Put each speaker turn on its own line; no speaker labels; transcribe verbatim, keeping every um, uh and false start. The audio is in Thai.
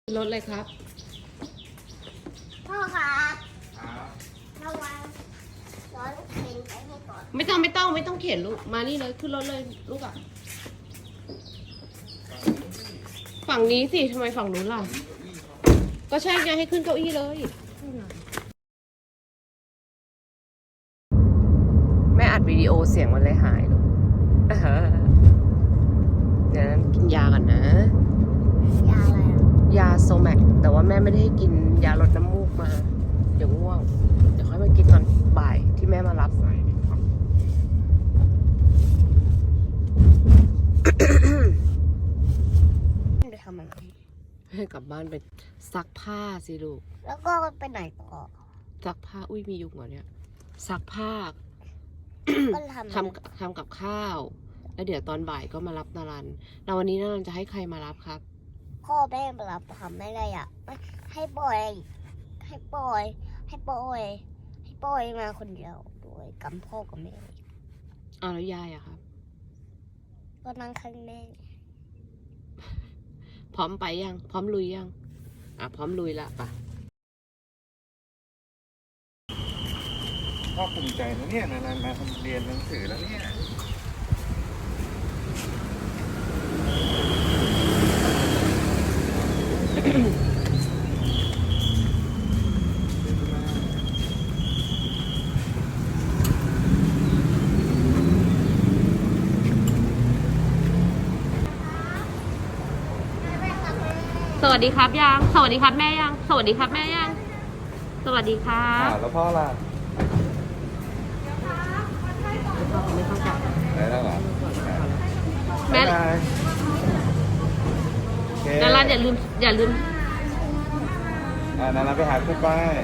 รถเลยครับ
พ่อครับระวังร้อนเข็นไปให้ก่อน
ไม่ต้องไม่ต้องไม่ต้องเข็นลูกมานี่เลยขึ้นรถเลยลูกอ่ะฝั่งนี้สิทำไมฝั่งนู้นล่ะก็ใช่ไงให้ขึ้นเก้าอี้เลยแม่อัดวิดีโอเสียงมันเลยหายลูกเดี๋ยวนั้นกินยากันนะ
ยาอะไรอ่ะ
ยาโซแมกแต่ว่าแม่ไม่ได้ให้กินยาลดน้ำมูกมาเดี๋ยวง่วงเดี๋ยวค่อยมากินตอนบ่ายที่แม่มารับไปทำอะไรให้กลับบ้านไปซักผ้าสิลูก
แล้วก็ไปไหนต่อ
ซักผ้าอุ้ยมียุงเหรอเนี่ยซักผ้า
ก็ทำ
ทำทำกับข้าวแล้วเดี๋ยวตอนบ่ายก็มารับนารันแล้ววันนี้นารันจะให้ใครมารับครับ
พ่อแม่มารับทำไม่ได้อ่ะให้ปล่อยให้ปล่อยให้ปล่อยให้ปล่อยมาคนเดียวโดยกับพ่อกับแม่
อ้าวแล้วยายอะครับ
ก็นั่งข้างแม่
พร้อมไปยังพร้อมลุยยังอ่ะพร้อมลุยละป่ะ
พ่อภูมิใจนะเนี่ยนานๆมาทำเรียนหนังสือแล้วเนี่ย
สวัสดีครับยังสวัสดีครับแม่ยังสวัสดีครับแม่ยังสวัสดีครับ
อ่าแล้วพ่อล่ะ
ไม่ต้องจับ
ได้แล้วเหรอ
แม่นารันอย่าลืมอย่าลืม
อ่านารันไปหาคุณป้าย